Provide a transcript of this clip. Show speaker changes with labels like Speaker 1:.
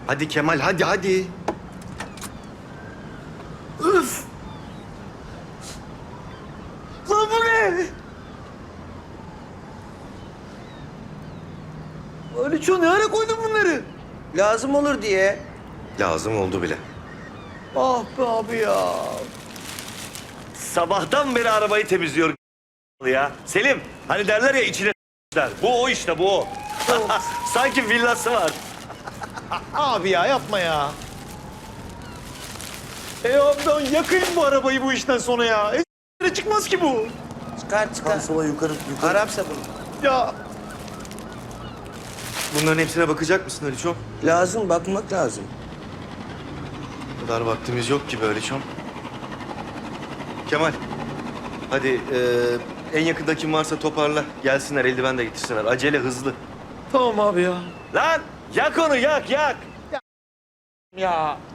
Speaker 1: Hadi Kemal, hadi hadi.
Speaker 2: Üf! Lan bu ne? Aliço ne ara koydun bunları?
Speaker 3: Lazım olur diye.
Speaker 1: Lazım oldu bile.
Speaker 2: Ah be abi ya.
Speaker 4: Sabahtan beri arabayı temizliyor ya. Selim, hani derler ya içine bu o işte bu o. Sanki villası var.
Speaker 2: Abi ya yapma ya. Abi ben yakayım bu arabayı bu işten sonra ya. Çıkmaz ki bu.
Speaker 3: Çıkar çıkar.
Speaker 1: Sola yukarı, yukarı.
Speaker 3: Arap sabunu.
Speaker 2: Ya
Speaker 1: Bunların hepsine bakacak mısın Aliçom?
Speaker 3: Lazım, bakmak lazım.
Speaker 1: O kadar vaktimiz yok ki böyle çom. Kemal, hadi en yakında kim varsa toparla. Gelsinler, eldiven de getirsinler. Acele, hızlı.
Speaker 2: tamam abi ya.
Speaker 4: Lan yak onu yak yak.
Speaker 2: Ya